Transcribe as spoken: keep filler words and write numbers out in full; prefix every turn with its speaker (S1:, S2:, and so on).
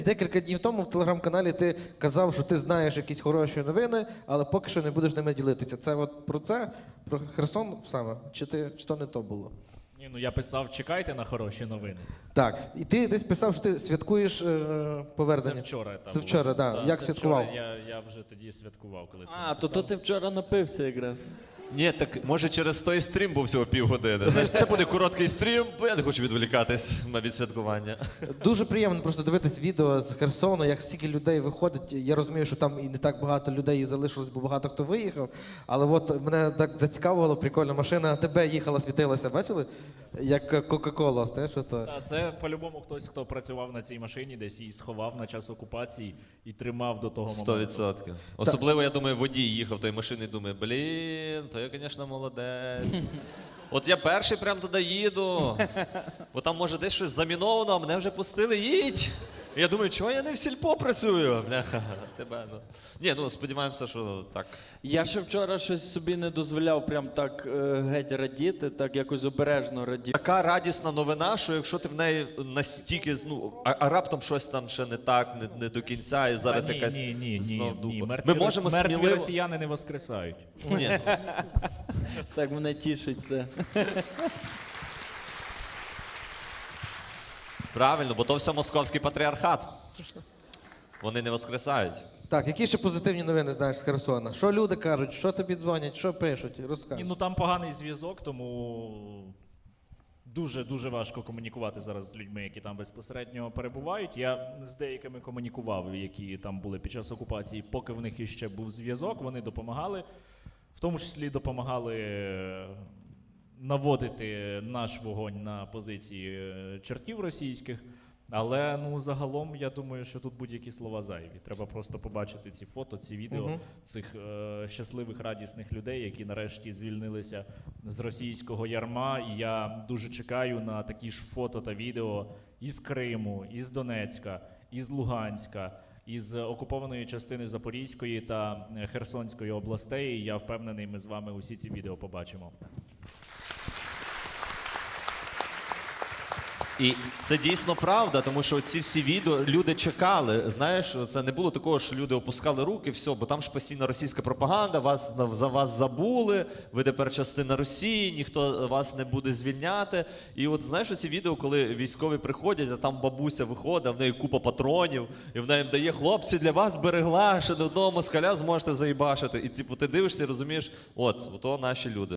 S1: Декілька днів тому в телеграм-каналі ти казав, що ти знаєш якісь хороші новини, але поки що не будеш ними ділитися. Це от про це? Про Херсон саме? Чи, ти, чи то не то було?
S2: Ні, ну я писав, чекайте на хороші новини.
S1: Так. І ти десь писав, що ти святкуєш е, повернення.
S2: Це вчора. Та
S1: Це вчора, так.
S2: Да,
S1: Як
S2: це
S1: святкував?
S2: Вчора, я, я вже тоді святкував, коли це
S3: А, то,
S2: написав.
S3: то ти вчора напився якраз.
S4: Ні, так може через той стрім був всього півгодини. Знаєш, це буде короткий стрім, бо я не хочу відволікатись на відсвяткування.
S1: Дуже приємно просто дивитись відео з Херсону, як стільки людей виходить. Я розумію, що там і не так багато людей залишилось, бо багато хто виїхав. Але от мене так зацікавило, прикольна машина. Тебе їхала, світилася, бачили? Як Кока-Кола, знаєш, ото.
S2: Та, це по-любому хтось, хто працював на цій машині, десь її сховав на час окупації і тримав до того моменту.
S4: Сто відсотків. Особливо, я думаю, водій їхав тої машини і думає, блін, то я, звісно, молодець. От я перший прям туди їду, бо там може десь щось заміновано, а мене вже пустили, їдь. І я думаю, чого я не в сільпо працюю? Бляха, тебе, ну. Ні, ну сподіваємося, що так.
S3: Я ще вчора щось собі не дозволяв прям так е, геть радіти, так якось обережно радіти.
S4: Така радісна новина, що якщо ти в неї настільки, ну, а, а раптом щось там ще не так, не, не до кінця, і зараз
S2: Та ні,
S4: якась
S2: ні, ні,
S4: знов
S2: ні,
S4: дупа.
S2: ні. Мертві,
S4: Ми можемо
S2: мертві
S4: сміливо...
S2: росіяни не воскресають.
S4: Ні, ну,
S3: Так мене тішить це.
S4: правильно, бо то все московський патріархат. Вони не воскресають.
S1: Так, які ще позитивні новини знаєш з Херсона? Що люди кажуть, що тобі дзвонять, що пишуть?
S2: Ні,
S1: Розкажи.
S2: ну там поганий зв'язок, тому дуже-дуже важко комунікувати зараз з людьми, які там безпосередньо перебувають. Я з деякими комунікував, які там були під час окупації, поки в них іще був зв'язок, вони допомагали. В тому числі допомагали наводити наш вогонь на позиції чертів російських. Але ну загалом я думаю, що тут будь-які слова зайві. Треба просто побачити ці фото, ці відео
S1: Мгм.
S2: цих е, щасливих, радісних людей, які нарешті звільнилися з російського ярма. І я дуже чекаю на такі ж фото та відео із Криму, із Донецька, із Луганська, із окупованої частини Запорізької та е, Херсонської областей. І я впевнений, ми з вами усі ці відео побачимо.
S4: І це дійсно правда, тому що ці всі відео люди чекали. Знаєш, це не було такого, що люди опускали руки, все, бо там ж постійно російська пропаганда, вас за вас забули, ви тепер частина Росії, ніхто вас не буде звільняти. І от знаєш, ці відео, коли військові приходять, а там бабуся виходить, а в неї купа патронів, і вона їм дає: хлопці, для вас берегла, ще до одного москаля зможете заїбашити. І типу ти дивишся і розумієш, от, ото наші люди.